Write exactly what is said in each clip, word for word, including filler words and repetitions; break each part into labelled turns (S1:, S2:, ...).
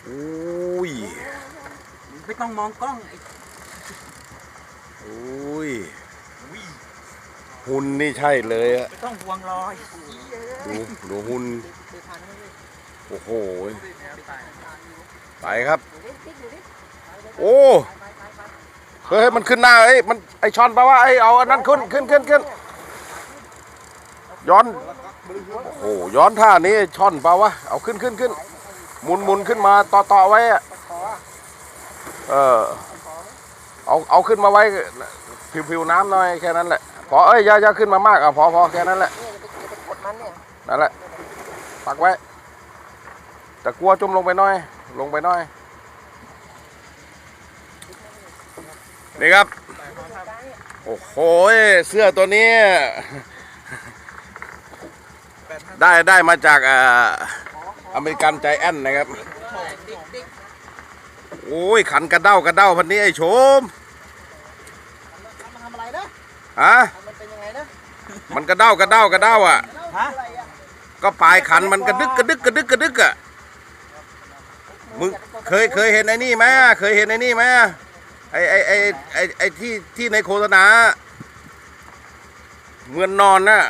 S1: อุ้ย
S2: ไม่ต้องมองกล้อง
S1: อุ้ยหุ่นนี่ใช่เลยอะ
S2: ไม่ต้องห่วงรอย
S1: ดูดูหุ่นโอ้โหไปครับโอ้เฮ้ยมันขึ้นหน้าเอ้ยมันไอช้อนแปลว่าไอเอาอันนั้นขึ้นขึ้นขึ้นขึ้นย้อนโอ้โหย้อนท่านี้ช้อนเปล่าวะเอาขึ้นขึ้นขึ้นหมุนหมุนขึ้นมาต่อต่อไว้อะเออเอาเอาขึ้นมาไว้ผิวผิวน้ำหน่อยแค่นั้นแหละพอเอ้ยอย่าอย่าขึ้นมามากอ่ะพอพอแค่นั้นแหละนั่นแหละปักไว้แต่กลัวจมลงไปหน่อยลงไปหน่อยนี่ครับโอ้โหเสื้อตัวนี้ได้ได้มาจากอ่าอเมริกันใจแอนนะครับโอ้ยขันกระเด้ากระเด้าพันนี้ไอ้โฉม
S3: มันทำอะไรนะ
S1: ฮะ
S3: มันเป็นยังไงนะ
S1: มันกระเด้ากระเด้ากระเด้าอ่ะ
S2: ฮะ
S1: ก็ปลายขันมันกระดึกกระดึกกระดึกกระดึกอ่ะมึงเคยเคยเห็นไอ้นี่ไหมเคยเห็นไอ้นี่ไหมไอ้ไอ้ไอ้ไอ้ไอ้ที่ที่ในโฆษณาเหมือนนอนน่ะ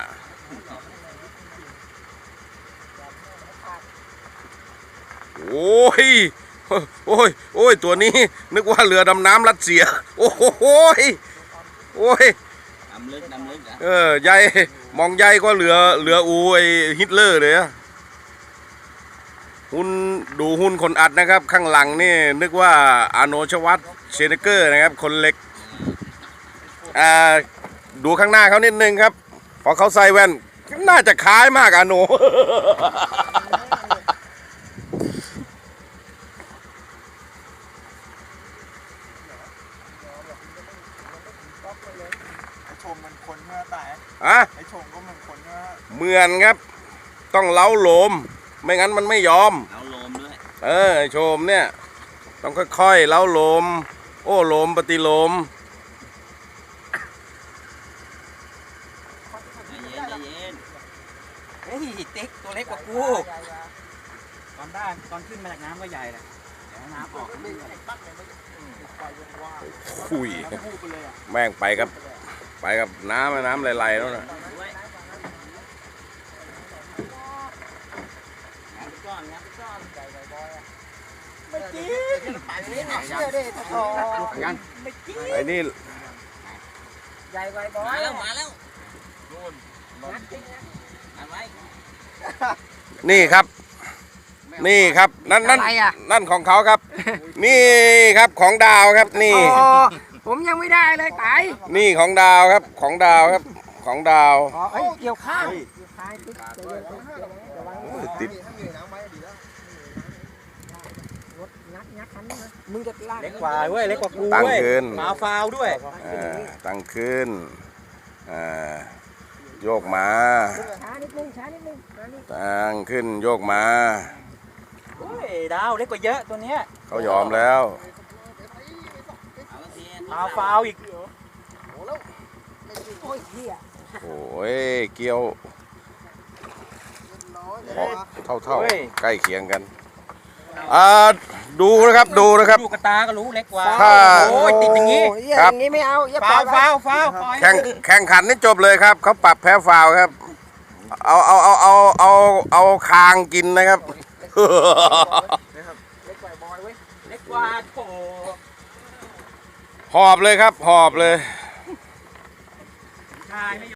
S1: โอ้ยโอ้ยโอ้ยตัวนี้นึกว่าเรือดำน้ำรัสเซียโอ้โหโอ้ย
S2: ดำลึกดำลึก
S1: เออใหญ่มองใหญ่ก็เรือเรืออูไอฮิตเลอร์เลยอะหุ่นดูหุ่นคนอัดนะครับข้างหลังนี่นึกว่าอาโนชวัตเชเนเกอร์นะครับคนเล็กอ่าดูข้างหน้าเขานิดนึงครับพอเขาใส่แว่นน่าจะคล้ายมากอาโน
S3: ไอชมมันคนเมื่อแต่
S1: อะ
S3: ไอชมก็มันคนเมื่อ
S1: เหมือนครับต้องเล้าโลมไม่งั้นมันไม่ยอม
S2: เล้าโลมด้วย
S1: เออโชมเนี่ยต้องค่อยๆเล้าโลมโอ้โลมปฏิโลม
S2: ใจเย็นใจเย็นเฮ้ยติ๊กตัวเล็กกว่ากูตอนได้ตอนขึ้นมาจากน้ำก็ใหญ่แหละเดี๋ยวน้ำออก
S1: คุยแม่งไปกับไปกับน้ำน้ำไหลๆแล้วนะ
S3: ไม่กินเชื่อดิทอไม่กิน
S1: ไอ้นี่
S3: ใหญ่ไวบอ
S2: มาแล้วมาแล้วอะไร
S1: นี่ครับนี่ครับนั่นนั่นนั่นของเขาครับนี่ครับของดาวครับนี่
S3: ผมยังไม่ได้เลยไก่
S1: นี่ของดาวครับของดาวครับของดาว
S3: อ๋อเกี่ยวข้าว
S1: ติด
S3: มึงจะลาก
S2: เล็กกว่าเว้ยเล็กกว่ากู
S1: ตั้ง
S2: เว้ย
S1: ขึ้น
S2: มาฟาวด้วย
S1: ตั้งขึ้นโยกมา
S3: ช้านิดนึงช้านิดนึง
S1: ตั้งขึ้นโยกมา
S2: โอ้ยดาวเล็กกว่าเยอะตัวเนี้ย
S1: เขายอมแล้ว
S2: มาฟาวอีก
S1: โอ้ยเกี่ยวเท่าเท่าใกล้เคียงกันอ่าดูนะครับดูนะครับ
S2: ดูกระตาก็รู้เล็กกว่า
S1: โ
S2: อ้ยติดอย่างนี้
S3: ครับอย่างนี้ไม่เอา
S2: ฟาวฟาวฟาว
S1: แข่งแข่งขันนี่จบเลยครับเขาปรับแพ้ฟาวครับเอาเอาเอาเอาเอาเอาคางกินนะครับ
S3: เล็กกว่าบอยเว้ย
S2: เล็กกว่าโถ
S1: หอบเลยครับหอบเลย